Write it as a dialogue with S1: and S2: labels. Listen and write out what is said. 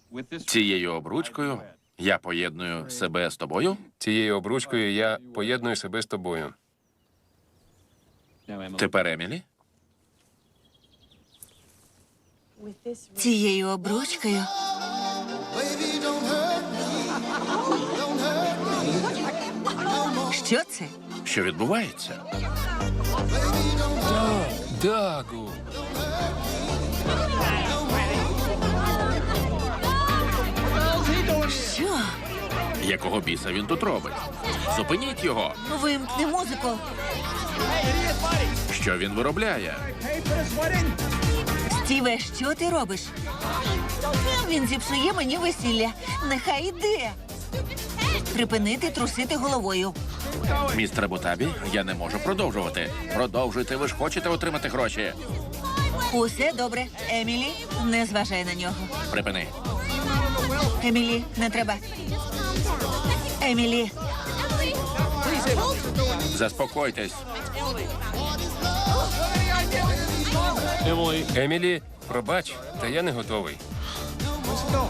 S1: Цією обручкою я поєдную себе з тобою?
S2: Цією обручкою я поєдную себе з тобою.
S1: Тепер Емілі?
S3: Цією обручкою що це?
S1: Що відбувається?
S2: Дагу!
S3: Що?
S1: Якого біса він тут робить? Зупиніть його!
S3: Вимкни музику.
S1: Що він виробляє?
S3: Стіве, що ти робиш? Він зіпсує мені весілля. Нехай йде. Припинити трусити головою.
S1: Містер Бутабі, я не можу продовжувати. Продовжуйте, ви ж хочете отримати гроші.
S3: Усе добре. Емілі, не зважай на нього.
S1: Припини.
S3: Емілі, не треба. Емілі,
S1: Заспокойтесь.
S2: Емілі, пробач, та я не готовий.